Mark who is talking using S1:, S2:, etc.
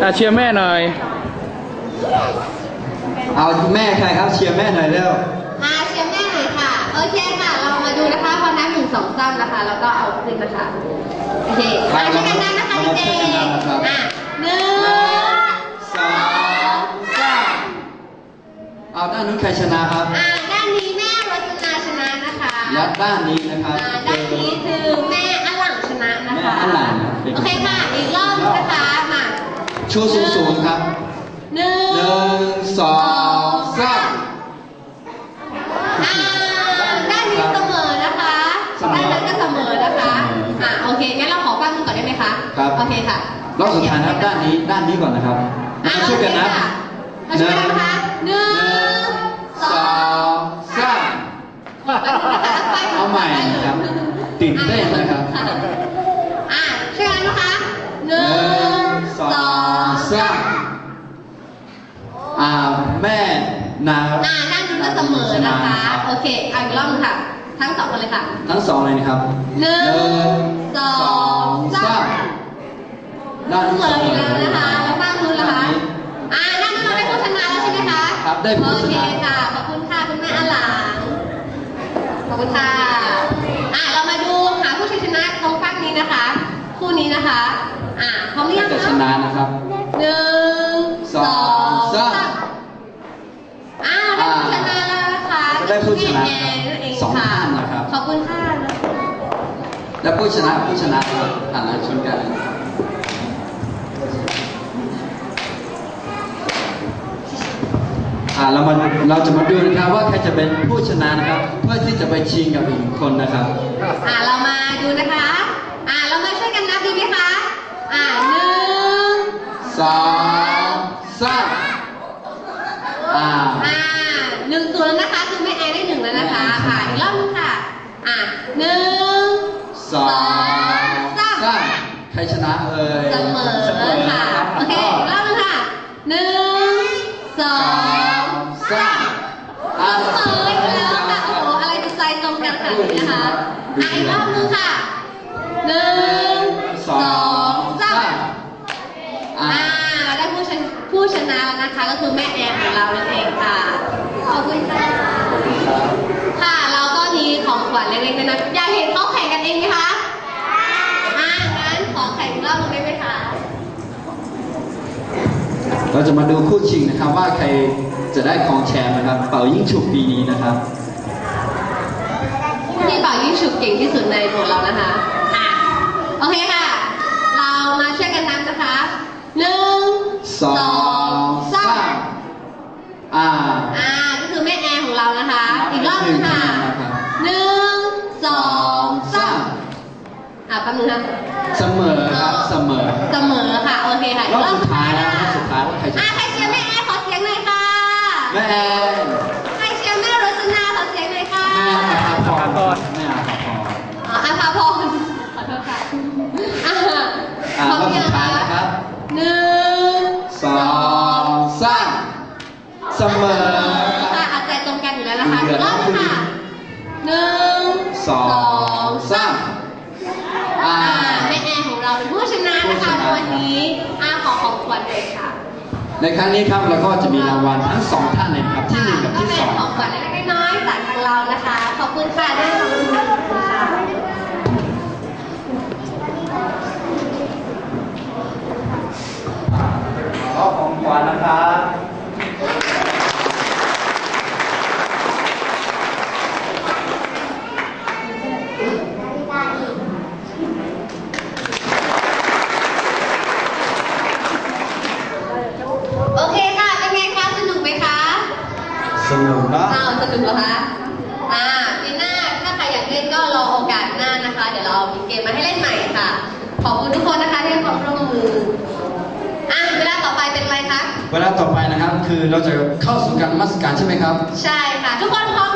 S1: เชียร์แม่หน่อย
S2: เอาแม่ใครครับเชียร์แม่หน่อยเร็ว
S3: เชียร์แม่หน่อยค่ะโอเคค่ะเรามาดูนะคะพอนับ1 2 3นะคะแล้วก็เอาขึ้นนะคะโอเคมาช่วยกันนับนะคะเด็กๆ1 2
S2: 3เอาด้านนู้นใครชนะครับ
S3: ด้านนี้แม่รจนาชนะนะคะ
S2: และด้านนี้นะครับ
S3: ด้านนี้คือแม่อลังชนะนะคะ
S2: แม่อลัง
S3: โอเคค่ะอีกรอบนะคะมา
S2: ชูสูงครับ1 2 3
S3: ด้านนี้เสมอนะคะด้านนั้นก็เสมอนะคะโอเคงั้นเราขอฟังก่อนได้ไหมคะ
S2: ครับ
S3: โอเคค่ะ
S2: รอบสุดท้ายนะครับด้านนี้ก่อนนะครับช่วยกันนับ
S3: ช่วยกันนะคะ1
S2: 2 3เอาใหม่นะครับตื่นเต้นนะครับ
S3: ช่วยกันนะคะ
S2: 1 2 3แม่นา
S3: ด้านนู้นก็เสมอนะคะโอเคเอาอีกรอบนึงค่ะทั้ง2คนเลยค่ะ
S2: ทั้ง2เลยนะครับ
S3: 1 2 3
S2: ด้าน
S3: เสมออีกแล้วนะคะแล้วบ้างนู้นล่ะคะด้านนู้นเราได้ผู้ชนะแล้วใช่ไหมคะ
S2: ครับได้ผู้ชนะ
S3: โอเคค่ะขอบคุณค่ะคุณแม่อลังขอบคุณค่ะเรามาดูหาผู้ชนะตรงฝั่งนี้นะคะคู่นี้นะคะพร้อมหรือยังคะ
S2: ชนะนะครับ
S3: 1 2 3ได้ผู้ชนะแล้วนะคะ
S2: ได้ผู้ชนะ2 ท่านนะครับ
S3: ขอบคุณค่ะ
S2: และผู้ชนะผ่านแล้วชนกันเราจะมาดูนะครับว่าใครจะเป็นผู้ชนะนะครับเพื่อที่จะไปชิงกับอีกคนนะครับ
S3: เรามาดูนะคะเรามาช่วยกันนับดีไหมคะ1
S2: 2 3
S3: 1 ตัวแล้วนะคะคือแม่แอนได้1แล้วนะคะอีกรอบนึงค่ะ1 2
S2: 3ใครชนะเอ่ย
S3: เสมอค่ะโอเคอีกรอบนึงค่ะ1 2 3เสมออีกแล้วค่ะโอ้โหอะไรจะใจตรงกันขนาดนี้นะคะอีกรอบนึงค่ะ1 2 3เราได้ผู้ชนะแล้วนะคะก็คือแม่แอนของเรานั่นเองค่ะขอบคุณค่ะค่ะเราก็มีของขวัญเล็กๆน้อยๆอยากเห็นเขาแข่งกันเองไหมคะงั้นขอแข่งรอบนึงได้ไหมคะ
S2: เราจะมาดูคู่ชิงนะครับว่าใครจะได้ของแชมป์นะครับเป่ายิ่งฉุบปีนี้นะครับ
S3: ที่เป่ายิ่งฉุบเก่งที่สุดในหมดเรานะคะโอเคค่ะเรามาช่วยกันนับนะคะ1 2 3ก็คือแม่แอร์ของเรานะคะอีกรอบนึงค่ะ1 2 3แป๊บนึงค่ะ
S2: เสมอครับเสมอ
S3: ค่ะโอเคค่ะ
S2: รอบสุดท้ายแล้วรอบสุดท้ายว่าใครจะ
S3: ใครเชียร์แม่แอร์ขอเสียงหน่อยค่ะ
S2: แม่แอร์
S3: ใครเชียร์แม่รจนาขอเสียงหน่อยค่ะ
S2: แม่อาภร
S3: อาภพรขอโทษค่ะ
S2: รอบสุดท้ายนะครับ
S3: 1
S2: 2 3เสมอ
S3: อาจจะตรงกันอยู่แล้วนะคะอีกรอบนึงค่ะ1 2 3แม่แอร์ของเราเป็นผู้ชนะนะคะในวันนี้ขอของขวัญเลยค่ะ
S2: ในครั้งนี้ครับเราก็จะมีรางวัลทั้ง2ท่านเลยครับที่1กับที่2
S3: ก็เป็นของขวัญเล็กๆน้อยๆจากทางเรานะคะขอบคุณค่ะด้วยขอบคุณค่ะ
S2: ขอของขวัญนะครับ
S3: โอเคค่ะเป็นไงคะสนุกไหมคะ
S2: สนุกนะ
S3: สนุกเหรอคะปีหน้าถ้าใครอยากเล่นก็รอโอกาสหน้านะคะเดี๋ยวเรามีเกมมาให้เล่นใหม่ค่ะขอบคุณทุกคนนะคะที่ให้ความร่วมมือเวลาต่อไปเป็นอะไรคะ
S2: เวลาต่อไปนะครับคือเราจะเข้าสู่การนมัสการใช่ไหมครับ
S3: ใช่ค่ะทุกคนพร้อม